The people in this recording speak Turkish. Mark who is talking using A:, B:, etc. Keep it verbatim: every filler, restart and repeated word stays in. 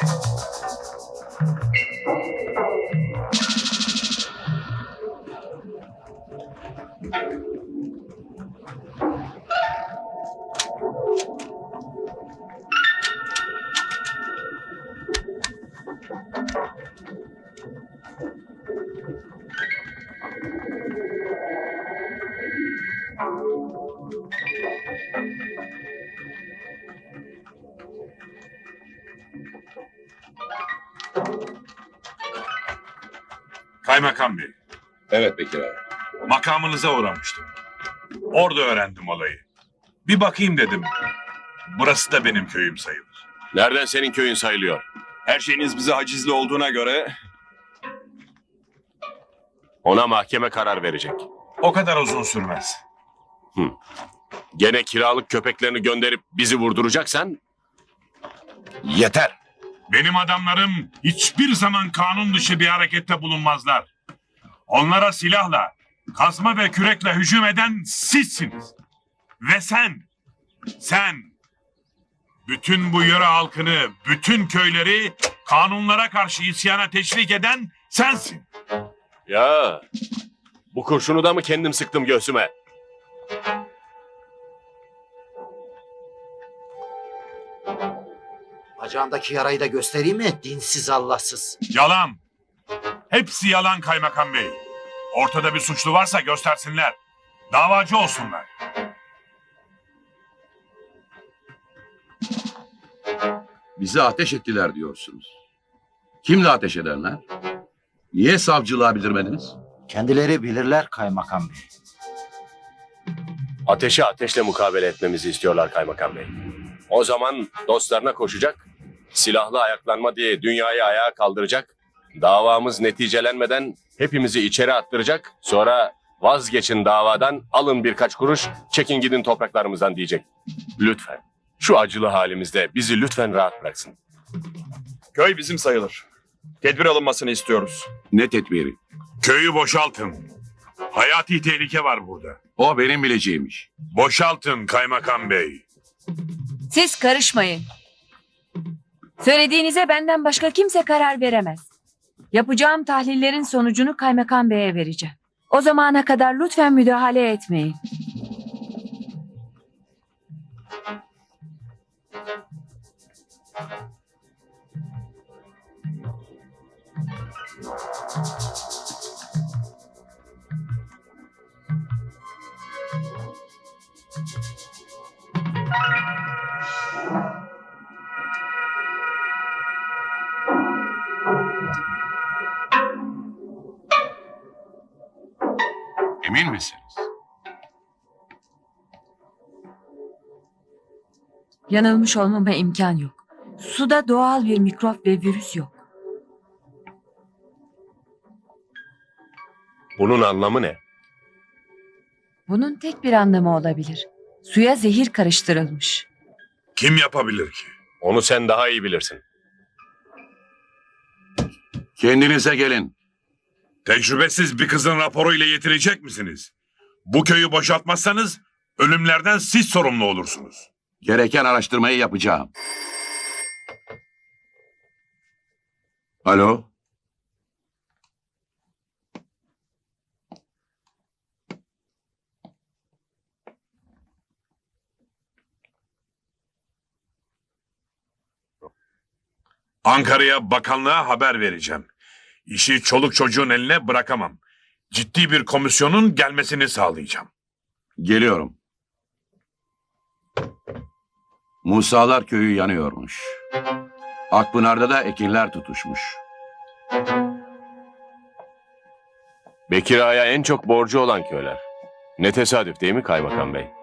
A: Kaymakam Bey,
B: Evet Bekir abi.
A: makamınıza uğramıştım. Orada öğrendim olayı. Bir bakayım dedim. Burası da benim köyüm sayılır.
C: Nereden senin köyün sayılıyor?
B: Her şeyiniz bize hacizli olduğuna göre...
C: Ona mahkeme karar verecek.
A: O kadar uzun sürmez.
C: Gene kiralık köpeklerini gönderip bizi vurduracaksan...
B: Yeter.
A: Benim adamlarım hiçbir zaman kanun dışı bir harekette bulunmazlar. Onlara silahla, kazma ve kürekle hücum eden sizsiniz. Ve sen, sen, bütün bu yöre halkını, bütün köyleri kanunlara karşı isyana teşvik eden sensin.
C: Ya, bu kurşunu da mı kendim sıktım göğsüme?
D: Bacağındaki yarayı da göstereyim mi? Dinsiz Allahsız.
A: Yalan. Hepsi yalan kaymakam bey. Ortada bir suçlu varsa göstersinler. Davacı olsunlar.
E: Bize ateş ettiler diyorsunuz. Kimle ateş edenler? Niye savcılığa bildirmediniz?
D: Kendileri bilirler kaymakam bey.
C: Ateşe ateşle mukabele etmemizi istiyorlar kaymakam bey. O zaman dostlarına koşacak, silahlı ayaklanma diye dünyayı ayağa kaldıracak, davamız neticelenmeden hepimizi içeri attıracak, sonra vazgeçin davadan, alın birkaç kuruş, çekin gidin topraklarımızdan diyecek. Lütfen, şu acılı halimizde bizi lütfen rahat bıraksın.
B: Köy bizim sayılır. Tedbir alınmasını istiyoruz.
E: Ne tedbiri?
A: Köyü boşaltın. Hayati tehlike var burada.
E: O benim bileceğimmiş.
A: Boşaltın kaymakam bey.
F: Siz karışmayın. Söylediğinize benden başka kimse karar veremez. Yapacağım tahlillerin sonucunu kaymakam beye vereceğim. O zamana kadar lütfen müdahale etmeyin.
E: Emin misiniz?
F: Yanılmış olmama imkan yok. Suda doğal bir mikrop ve virüs yok.
C: Bunun anlamı ne?
F: Bunun tek bir anlamı olabilir. Suya zehir karıştırılmış.
A: Kim yapabilir ki?
C: Onu sen daha iyi bilirsin.
E: Kendinize gelin.
A: Tecrübesiz bir kızın raporuyla yetirecek misiniz? Bu köyü boşaltmazsanız ölümlerden siz sorumlu olursunuz.
E: Gereken araştırmayı yapacağım. Alo?
A: Ankara'ya bakanlığa haber vereceğim. İşi çoluk çocuğun eline bırakamam. Ciddi bir komisyonun gelmesini sağlayacağım.
E: Geliyorum. Musalar köyü yanıyormuş. Akpınar'da da ekinler tutuşmuş.
C: Bekir Ağa'ya en çok borcu olan köyler. Ne tesadüf değil mi kaymakam bey?